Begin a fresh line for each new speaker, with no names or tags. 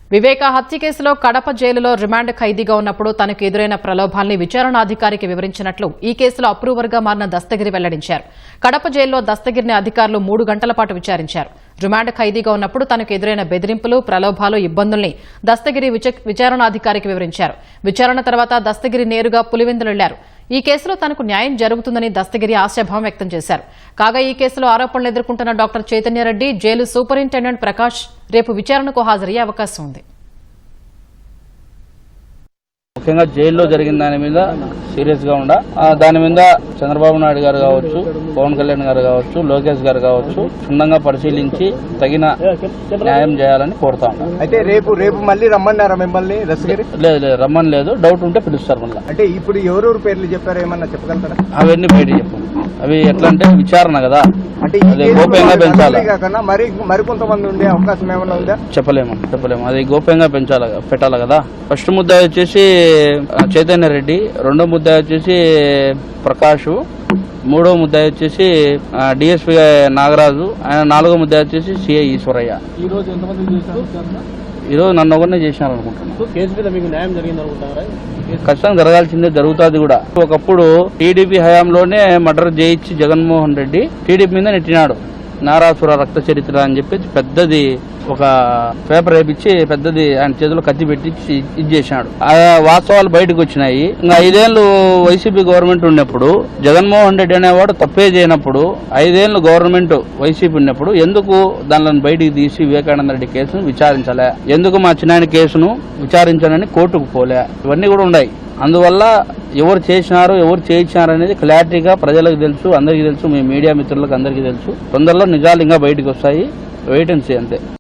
వివేక హత్య కేసులో కడప జైలులో రిమాండ్ ఖైదీగా ఉన్నప్పుడు తనకు ఎదురైన ప్రలోభాల్ని విచారణాధికారికి వివరించినట్లు ఈ కేసులో అప్రూవర్గా మారిన దస్తగిరి వెల్లడించారు. కడప జైల్లో దస్తగిరిని అధికారులు 3 గంటల పాటు విచారించారు. రిమాండ్ ఖైదీగా ఉన్నప్పుడు తనకు ఎదురైన బెదిరింపులు, ప్రలోభాలు, ఇబ్బందుల్ని దస్తగిరి విచారణాధికారికి వివరించారు. విచారణ తర్వాత దస్తగిరి నేరుగా పులివెందులు వెళ్లారు. ఈ కేసులో తనకు న్యాయం జరుగుతుందని దస్తగిరి ఆశాభావం వ్యక్తం చేశారు. కాగా ఈ కేసులో ఆరోపణలు ఎదుర్కొంటున్న డాక్టర్ చైతన్యరెడ్డి, జైలు సూపరింటెండెంట్ ప్రకాష్ రేపు విచారణకు హాజరయ్యే అవకాశం ఉంది.
ముఖ్యంగా జైల్లో జరిగిన దాని మీద సీరియస్ గా దాని మీద చంద్రబాబు నాయుడు గారు కావచ్చు, పవన్ కళ్యాణ్ గారు కావచ్చు, లోకేష్ గారు కావచ్చు క్షుణ్ణంగా పరిశీలించి తగిన న్యాయం చేయాలని కోరుతా ఉంటాం.
అయితే రేపు మళ్ళీ రమ్మన్నారా మిమ్మల్ని?
లేదు రమ్మని లేదు, డౌట్ ఉంటే పిలుస్తారు మళ్ళీ.
అంటే ఇప్పుడు ఎవరెవరు పేర్లు చెప్పారో ఏమన్నా చెప్పగలుగుతారా?
అవన్నీ బయట చెప్పండి. అవి ఎట్లా అంటే విచారణ కదా,
అంటే
గోప్యంగా పెంచాలి.
మరి కొంతమంది ఉండే అవకాశం ఏమైనా ఉందా?
చెప్పలేము. అది గోప్యంగా పెట్టాలి కదా. ఫస్ట్ ముద్దాయి వచ్చేసి చైతన్య రెడ్డి, రెండో ముద్దాయి వచ్చేసి ప్రకాష్, మూడో ముద్దాయి వచ్చేసి డిఎస్పీ నాగరాజు, ఆయన నాలుగో ముద్దాయి వచ్చేసి సిఐ ఈశ్వరయ్య. ఈరోజు నన్ను ఒకరినే చేసినారు అనుకుంటున్నాను.
కేసు మీద మీకు న్యాయం జరిగింది అనుకుంటారా?
ఖచ్చితంగా జరగాల్సిందే, జరుగుతుంది కూడా. ఒకప్పుడు టీడీపీ హయాంలోనే మర్డర్ చేయించి జగన్మోహన్ రెడ్డి టీడీపీ మీద నెట్టినాడు. నారాసుర రక్త చరిత్ర అని చెప్పి పెద్దది ఒక పేపర్ వేపించి పెద్దది ఆయన చేతిలో కత్తి పెట్టించి ఇది చేసినాడు. ఆ వాస్తవాలు బయటకు వచ్చినాయి. ఇంకా 5 ఏళ్లు వైసీపీ గవర్నమెంట్ ఉన్నప్పుడు జగన్మోహన్ రెడ్డి అనేవాడు తప్పే చేయనప్పుడు 5 ఏళ్లు గవర్నమెంట్ వైసీపీ ఉన్నప్పుడు ఎందుకు దానిని బయటికి తీసి వివేకానంద రెడ్డి కేసును విచారించలే? ఎందుకు మా చిన్నాయన కేసును విచారించాలని కోర్టుకు పోలే? ఇవన్నీ కూడా ఉన్నాయి. అందువల్ల ఎవరు చేసినారు, ఎవరు చేయించినారు అనేది క్లారిటీగా ప్రజలకు తెలుసు, అందరికీ తెలుసు, మీ మీడియా మిత్రులకు అందరికీ తెలుసు. తొందరలో నిజాలు ఇంకా బయటకు వస్తాయి. వెయిట్ అండ్ సీ అంతే.